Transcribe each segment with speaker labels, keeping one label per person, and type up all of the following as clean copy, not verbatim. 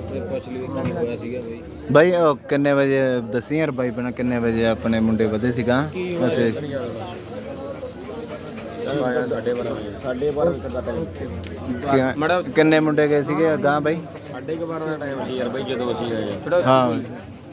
Speaker 1: ਪੁੱਛ ਲਈ ਕੀ ਹੋਇਆ ਸੀਗਾ
Speaker 2: ਬਾਈ ਉਹ ਕਿੰਨੇ ਵਜੇ ਦੱਸੀ ਯਾਰ ਬਾਈ ਬਣਾ ਕਿੰਨੇ ਵਜੇ ਆਪਣੇ ਮੁੰਡੇ ਵਧੇ ਸੀਗਾ ਅਤੇ
Speaker 1: 12:30
Speaker 2: ਕਿੰਨੇ ਮੁੰਡੇ ਗਏ ਸੀਗੇ ਅਗਾਂਹ ਬਾਈ
Speaker 1: 12:30 ਦਾ ਟਾਈਮ ਸੀ ਯਾਰ ਬਾਈ ਜਦੋਂ ਅਸੀਂ ਆਏ
Speaker 2: ਹਾਂ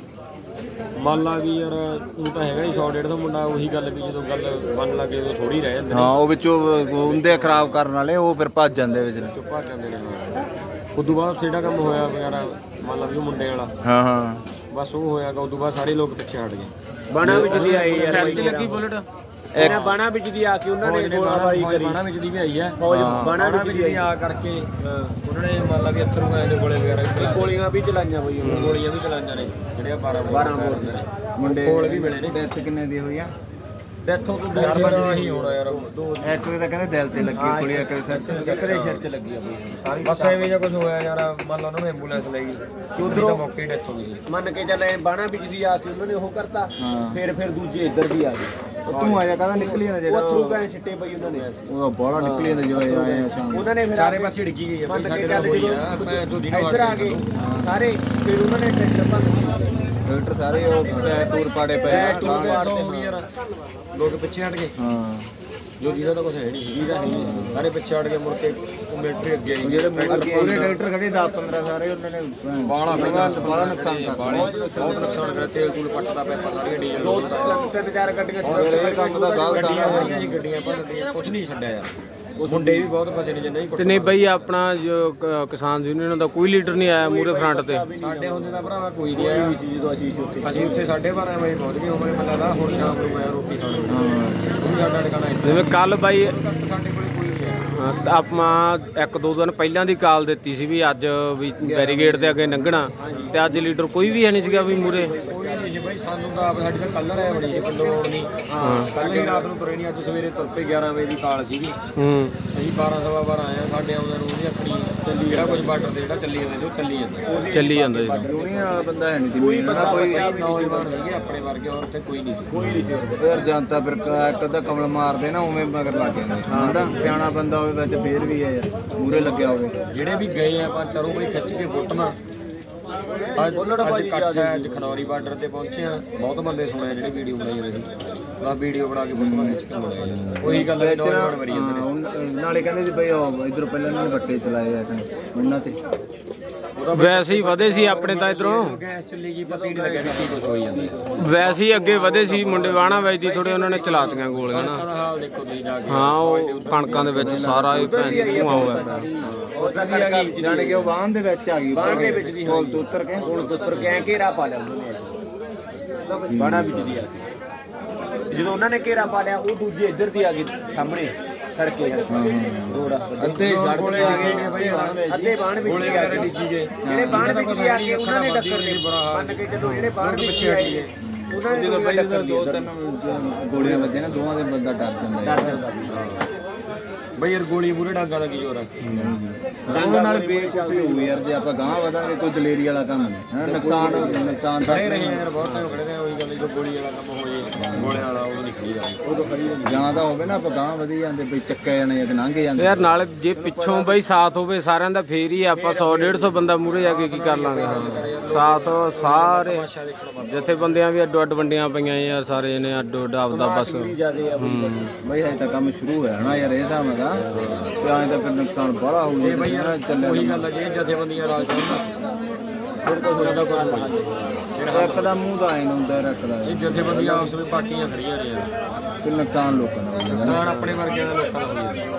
Speaker 1: ਮੰਨ ਲਾ ਵੀ ਯਾਰ ਉਹ ਤਾਂ ਹੈਗਾ ਹੀ 100-150 ਮੁੰਡਾ ਉਹੀ ਗੱਲ ਵੀ ਜਦੋਂ ਗੱਲ ਮੰਨ ਲੱਗੇ ਉਦੋਂ ਥੋੜੀ ਰਹਿ ਜਾਂਦੇ
Speaker 2: ਹਾਂ ਉਹ ਵਿੱਚੋਂ ਹੁੰਦੇ ਖਰਾਬ ਕਰਨ ਵਾਲੇ ਉਹ ਫਿਰ ਭੱਜ ਜਾਂਦੇ ਵਿੱਚ
Speaker 1: ਚੁੱਪਾ ਜਾਂਦੇ ਨੇ ਉਦੋਂ ਬਾਅਦ ਜਿਹੜਾ ਕੰਮ ਹੋਇਆ ਵਗੈਰਾ ਮੰਨ ਲਾ ਵੀ ਉਹ ਮੁੰਡੇ ਵਾਲਾ
Speaker 2: ਹਾਂ ਹਾਂ
Speaker 1: ਬਸ ਉਹ ਹੋਇਆਗਾ ਉਦੋਂ ਬਾਅਦ ਸਾਰੇ ਲੋਕ ਪਿੱਛੇ ਹਟ ਗਏ
Speaker 3: ਬਾਣਾ ਵਿੱਚ ਦੀ ਆਈ ਯਾਰ ਸੈਲ 'ਚ ਲੱਗੀ ਬੁਲਟ ਇਹਨਾਂ ਬਾਣਾ ਵਿੱਚ ਦੀ ਆ ਕੇ ਉਹਨਾਂ ਨੇ ਗੋਲਾਬਾਰੀ ਕਰੀ
Speaker 1: ਬਾਣਾ ਵਿੱਚ ਦੀ ਵੀ ਆਈ ਹੈ
Speaker 3: ਬਾਣਾ ਵਿੱਚ
Speaker 1: ਦੀ ਆ ਕਰਕੇ ਉਹਨਾਂ ਨੇ ਮੰਨ ਲਾ ਵੀ ਅਥਰੂ ਆਏ ਦੇ ਗੋਲੇ ਵਗੈਰਾ
Speaker 3: ਗੋਲੀਆਂ ਵੀ ਚਲਾਈਆਂ ਬਈ
Speaker 1: ਗੋਲੀਆਂ ਵੀ ਚਲਾਈਆਂ ਨੇ ਜਿਹੜੀਆਂ 12 ਬੋਰ ਨੇ
Speaker 2: ਮੁੰਡੇ
Speaker 1: ਕੋਲ ਵੀ ਮਿਲੇ ਨੇ
Speaker 2: ਡੈਥ ਕਿੰਨੇ ਦੀ ਹੋਈ ਆ
Speaker 1: ਡੈਥੋਂ ਤੋਂ 2 ਹੀ ਹੋਣਾ ਯਾਰ
Speaker 2: ਇੱਕ ਤਾਂ ਕਹਿੰਦੇ ਦਿਲ ਤੇ ਲੱਗੀ ਕੁੜੀ ਇੱਕ ਸਿਰ
Speaker 3: ਸਿਰ 'ਚ ਲੱਗੀ ਆ ਬਈ
Speaker 1: ਬਸ ਐਵੇਂ ਜਿਹਾ ਕੁਝ ਹੋਇਆ ਯਾਰ ਮੰਨ ਲਾ ਉਹਨਾਂ ਨੂੰ ਐਂਬੂਲੈਂਸ ਲੈ ਗਈ ਉਧਰੋਂ ਮੌਕੇ ਹੀ ਡੈਥ ਹੋ ਗਈ
Speaker 3: ਮੰਨ ਕੇ ਚੱਲੇ ਬਾਣਾ ਵਿੱਚ ਦੀ ਆ ਕੇ ਉਹਨਾਂ ਨੇ ਉਹ ਕਰਤਾ ਫਿਰ ਦੂਜੇ ਇੱਧਰ ਦੀ ਆ ਗਏ
Speaker 2: ਤੂੰ ਆਇਆ ਕਹਿੰਦਾ ਨਿਕਲੀ ਜਾਂਦਾ ਜਿਹੜਾ
Speaker 3: ਉਹ ਥਰੂ ਗਏ ਸਿੱਟੇ ਪਈ ਉਹਨਾਂ ਨੇ
Speaker 2: ਉਹ ਬੜਾ ਨਿਕਲੀ ਜਾਂਦਾ ਜੋ ਆਏ ਆ ਸ਼ਾਮ
Speaker 3: ਉਹਨਾਂ ਨੇ ਫਿਰ
Speaker 1: ਚਾਰੇ ਪਾਸੇ ਡਿੱਗੀ ਗਈ
Speaker 3: ਮੰਨ ਕੇ
Speaker 1: ਸਾਡੇ ਨਾਲ
Speaker 3: ਚੱਲ
Speaker 1: ਹੋਈ ਆ ਮੈਂ ਤੁਹਾਡੀ ਨਾਲ
Speaker 3: ਇੱਧਰ ਆ ਗਏ ਸਾਰੇ ਫਿਰ ਉਹਨਾਂ ਨੇ ਟਰੈਕਟਰ ਭੰਨ
Speaker 2: ਫਿਲਟਰ ਸਾਰੇ ਉਹ ਟੂਰ ਪਾੜੇ ਪਏ ਆ
Speaker 1: ਟੂਰ ਪਾੜਦੇ ਹੋ ਗਈ ਯਾਰ ਲੋਕ ਪਿੱਛੇ ਹਟ ਗਏ
Speaker 2: ਹਾਂ
Speaker 1: ਜੋ ਜਿਹਦਾ ਤਾਂ ਕੁਝ ਹੈ ਨਹੀਂ ਸਾਰੇ ਪਿੱਛੇ ਹਟ ਗਏ ਮੁੜ ਕੇ ਮਿਲਟਰੀ ਅੱਗੇ ਆਈ
Speaker 2: ਜਿਹੜੇ ਪੂਰੇ ਟਰੈਕਟਰ ਖੜੇ 10-15 ਸਾਰੇ ਉਹਨਾਂ ਨੇ
Speaker 1: ਬਾਲਾ
Speaker 2: ਬੜਾ ਨੁਕਸਾਨ ਕਰਤਾ
Speaker 1: ਬਹੁਤ ਨੁਕਸਾਨ ਕਰਿਆ ਤੇਲ ਤੂਲ ਪੱਟਦਾ ਪਿਆ ਸਾਰੀਆਂ ਡੀਜ਼ਲ
Speaker 3: ਦੋ ਤਿੰਨ ਚਾਰ ਗੱਡੀਆਂ
Speaker 2: ਇਹ ਕੰਮ ਦਾ ਗਲਤ ਆ
Speaker 1: ਗੱਡੀਆਂ ਬੜੀਆਂ ਸੀ ਗੱਡੀਆਂ ਭੰਨਦੀਆਂ ਕੁਝ ਨਹੀਂ ਛੱਡਿਆ ਯਾਰ ਉਹ ਮੁੰਡੇ ਵੀ ਬਹੁਤ ਫਸੇ ਨੇ ਜਿੰਨਾ ਹੀ
Speaker 4: ਤੇ ਨਹੀਂ ਬਈ ਆਪਣਾ ਜੋ ਕਿਸਾਨ ਯੂਨੀਅਨ ਦਾ ਕੋਈ ਲੀਡਰ ਨਹੀਂ ਆਇਆ ਮੂਰੇ ਫਰੰਟ ਤੇ
Speaker 1: ਸਾਡੇ ਹੁੰਦੇ ਦਾ ਭਰਾਵਾ ਕੋਈ ਨਹੀਂ ਆਇਆ
Speaker 3: ਜਦੋਂ ਅਸੀਂ
Speaker 1: ਅਸੀਂ ਉੱਥੇ 12:30 ਵਜੇ ਪਹੁੰਚ ਗਏ ਹੋਵੇ ਪਤਾ ਦਾ ਹੁਣ ਸ਼ਾਮ ਨੂੰ ਆਇਆ ਰੋਟੀ ਖਾਣ ਨੂੰ ਉਹ ਵੀ ਸਾਡਾ ਟਿਕਾਣਾ ਇੱਥੇ
Speaker 4: ਜਿਵੇਂ ਕੱਲ ਬਾਈ
Speaker 1: ਸਾਡੇ ਕੋਲੇ ਕੋਈ ਨਹੀਂ ਆਇਆ
Speaker 4: ਆਪਾਂ 1-2 ਦਿਨ ਪਹਿਲਾਂ ਦੀ ਕਾਲ ਦਿੱਤੀ ਸੀ ਵੀ ਅੱਜ ਵੀ ਬੈਰੀਗੇਡ ਦੇ ਅੱਗੇ ਲੰਘਣਾ ਤੇ ਅੱਜ ਲੀਡਰ ਕੋਈ ਵੀ ਹੈ ਨਹੀਂ ਸੀਗਾ ਵੀ ਮੂਰੇ
Speaker 1: ਕੋਈ ਨਹੀਂ ਸੀ ਬਾਈ ਸਾਨੂੰ ਤਾਂ ਆਪ ਸਾਡੀ ਤਾਂ ਕੱਲ ਰਹਿ ਬੜੀ ਸੀ ਪਿੰਡੋਂ ਆਉਣ ਦੀ ਕੱਲ ਹੀ ਰਾਤ ਨੂੰ ਤੁਰੇ ਨਹੀਂ ਅੱਜ ਸਵੇਰੇ ਤੁਰ ਪਏ 11 ਵਜੇ ਦੀ ਕਾਲ ਸੀਗੀ ਅਸੀਂ 12:15 ਆਏ ਆ ਸਾਡੇ ਆਉਂਦੇ ਨੂੰ ਉਹਦੀ ਅੱਖਣੀ ਚੱਲੀ ਜਿਹੜਾ ਕੁਝ ਬਾਰਡਰ ਤੇ ਜਿਹੜਾ ਚੱਲੀ ਜਾਂਦਾ ਸੀ ਉਹ ਚੱਲੀ ਜਾਂਦਾ
Speaker 4: ਜੀ
Speaker 2: ਯੂਨੀਅਨ ਵਾਲਾ ਬੰਦਾ ਹੈ ਨਹੀਂ ਸੀ ਕੋਈ
Speaker 1: ਨੌਜਵਾਨ ਸੀਗੇ ਆਪਣੇ ਵਰਗੇ ਔਰ ਉੱਥੇ ਕੋਈ ਨਹੀਂ ਸੀ
Speaker 2: ਫਿਰ ਜਨਤਾ ਫਿਰ ਇੱਕ ਅੱਧਾ ਕਮਲ ਮਾਰਦੇ ਨਾ ਉਵੇਂ ਮਗਰ ਲੱਗ ਜਾਂਦੇ ਬੰਦਾ ਸਿਆਣਾ ਬੰਦਾ ਹੋਵੇ ਵਿੱਚ ਫੇਰ ਵੀ ਹੈ ਯਾਰ ਮੂਰੇ ਲੱਗਿਆ ਹੋਵੇ
Speaker 1: ਜਿਹੜੇ ਵੀ ਗਏ ਆ ਆਪਾਂ ਚਲੋ ਬਈ ਖਿੱਚ ਕੇ ਫੁੱਟਣਾ ਅੱਜ ਇਕੱਠ ਹੈ ਅੱਜ ਖਨੌਰੀ ਬਾਰਡਰ ਤੇ ਪਹੁੰਚੇ ਆ ਬਹੁਤ ਬੰਦੇ ਸੁਣੇ ਜਿਹੜੇ ਵੀਡੀਓ ਬਣਾਈ ਰਹੇ ਸੀ ਬਸ ਵੀਡੀਓ ਬਣਾ ਕੇ ਫੋਟੋਆਂ ਖਿੱਚ ਕੇ ਬਣਾਇਆ ਉਹੀ ਗੱਲ ਹੈ ਨੌਜਵਾਨ ਮਰੀ ਜਾਂਦੇ ਨੇ
Speaker 2: ਨਾਲੇ ਕਹਿੰਦੇ ਸੀ ਬਈ ਇਧਰੋਂ ਪਹਿਲਾਂ ਇਹਨਾਂ ਨੇ ਵੱਟੇ ਚਲਾਏ ਆ ਉਹਨਾਂ ਤੇ
Speaker 4: ਵੈਸੇ ਹੀ ਵਧੇ ਸੀ ਆਪਣੇ ਤਾਂ ਇਧਰੋਂ
Speaker 1: ਗੈਸ ਚੱਲੀ ਗਈ ਪਤਾ ਹੀ ਨਹੀਂ ਲੱਗਿਆ ਵੀ ਕੀ ਕੁਝ ਹੋਈ ਜਾਂਦਾ
Speaker 4: ਵੈਸੇ ਹੀ ਅੱਗੇ ਵਧੇ ਸੀ ਮੁੰਡੇ ਵਾਣਾ ਵਜਦੀ ਥੋੜੇ ਉਹਨਾਂ ਨੇ ਚਲਾਤੀਆਂ ਗੋਲੀਆਂ ਨਾ
Speaker 1: ਦਾ ਹਾਲ ਦੇਖੋ ਤੁਸੀਂ ਜਾ ਕੇ
Speaker 4: ਹਾਂ ਉਹ ਕਣਕਾਂ ਦੇ ਵਿੱਚ ਸਾਰਾ ਹੀ ਭੈਣ ਧੂਆਂ ਹੋਇਆ
Speaker 2: ਜਾਣ ਕੇ ਉਹ ਵਾਹਨ ਦੇ ਵਿੱਚ ਆ ਗਈ ਕੋਲ ਤੋਂ ਉਤਰ ਕੇ
Speaker 3: ਐ ਘੇਰਾ ਪਾ ਲਿਆ ਉਹਨਾਂ ਨੇ ਬਾਣਾ ਵਿੱਚ ਦੀ ਆ ਕੇ ਜਦੋਂ ਉਹਨਾਂ ਨੇ ਘੇਰਾ ਪਾ ਲਿਆ ਉਹ ਦੂਜੇ ਇੱਧਰ ਦੀ ਆ ਗਏ ਸਾਹਮਣੇ ਸੜਕੇ ਰੋਡ
Speaker 2: ਅੱਧੇ ਸੜਕ ਤੇ ਆ ਗਏ
Speaker 3: ਅੱਧੇ ਬਾਣ ਵਿੱਚ
Speaker 1: ਗੋਲੇ
Speaker 3: ਆ
Speaker 1: ਵਗੈਰਾ
Speaker 3: ਗਏ
Speaker 1: ਡਿੱਗੀ ਗਏ
Speaker 3: ਜਿਹੜੇ ਬਾਣ ਵਿੱਚ ਦੀ ਆ ਕੇ ਉਹਨਾਂ ਨੇ ਟੱਕਰ ਦੇ ਮੰਨ ਕੇ ਜਦੋਂ ਜਿਹੜੇ ਬਾਣ ਵਿੱਚ ਆਏ ਉਹਨਾਂ ਨੇ
Speaker 2: ਜਦੋਂ ਪਹਿਲੇ ਤਾਂ 2-3 ਗੋਲੀਆਂ ਵੱਜੀਆਂ ਨਾ ਦੋਵਾਂ ਦੇ ਬੰਦਾ ਡਰ ਜਾਂਦਾ
Speaker 1: ਬਈ ਯਾਰ ਗੋਲੀ ਮੂਰੇ ਡਾਂਗਾ ਦਾ ਕੀ ਜ਼ੋਰ ਆ
Speaker 2: ਉਹਦੇ ਨਾਲ ਬੇਕੂਫੀ ਹੋਊ ਯਾਰ ਜੇ ਆਪਾਂ ਗਾਂਹ ਵਧਾਂਗੇ ਕੋਈ ਦਲੇਰੀ ਵਾਲਾ ਕੰਮ ਨਹੀਂ ਹੈ ਨੁਕਸਾਨ ਤਾਂ
Speaker 1: ਖੜੇ ਰਹੇ ਯਾਰ ਬਹੁਤ ਟਾਈਮ ਖੜੇ ਰਹੇ ਉਹੀ ਗੱਲ ਜਦੋਂ ਗੋਲੀ ਵਾਲਾ ਕੰਮ ਹੋ ਜੇ ਗੋਲੇ ਵਾਲਾ ਉਹ ਨਹੀਂ ਖੜੀ ਜਾਂਦਾ ਉਦੋਂ ਖੜੀ
Speaker 2: ਜਾਂ ਤਾਂ ਹੋਵੇ ਨਾ ਆਪਾਂ ਗਾਂਹ ਵਧੀ ਜਾਂਦੇ ਬਈ ਚੱਕੇ ਜਾਣੇ ਜਾਂ ਲੰਘੇ ਜਾਂਦੇ
Speaker 4: ਯਾਰ ਨਾਲ ਜੇ ਪਿੱਛੋਂ ਬਈ ਸਾਥ ਹੋਵੇ ਸਾਰਿਆਂ ਦਾ ਫੇਰ ਹੀ ਆਪਾਂ 100-150 ਬੰਦਾ ਮੂਰੇ ਜਾ ਕੇ ਕੀ ਕਰ ਲਾਂਗੇ ਸਾਥ ਸਾਰੇ ਜਿੱਥੇ ਬੰਦਿਆਂ ਵੀ ਅੱਡੋ ਅੱਡ ਵੰਡੀਆਂ ਪਈਆਂ ਯਾਰ ਸਾਰੇ ਨੇ ਅੱਡੋ ਅੱਡ ਆਪਦਾ ਬਸ
Speaker 2: ਬਈ ਹਜੇ ਤਾਂ ਕੰਮ ਸ਼ੁਰੂ ਹੋਇਆ ਨਾ ਯਾਰ ਇਹ ਹਿਸਾਬ ਨਾਲ ਤੇ ਐਂ ਤਾਂ ਫਿਰ ਨੁਕਸਾਨ ਬੜਾ ਹੋਊ ਜੇ
Speaker 1: ਬਈ ਯਾਰ ਉਹੀ ਗੱਲ ਆ ਜੇ ਜਥੇਬੰਦੀਆਂ ਰਾਜ ਕਰਨਾ ਫਿਰ ਕੋਈ ਹੋਦਾ ਕੋਈ
Speaker 2: ਇੱਕ ਦਾ ਮੂੰਹ ਦਾ ਐਂ ਹੁੰਦਾ ਰੱਖਦਾ
Speaker 1: ਇਹ ਜਥੇਬੰਦੀਆਂ ਆਪਸ ਵਿੱਚ ਪਾਰਟੀਆਂ ਖੜੀਆਂ ਨੇ ਯਾਰ
Speaker 2: ਤੇ ਨੁਕਸਾਨ ਲੋਕਾਂ ਦਾ
Speaker 1: ਨੁਕਸਾਨ ਆਪਣੇ ਵਰਗਿਆਂ ਦਾ ਲੋਕਾਂ ਦਾ ਹੋਈ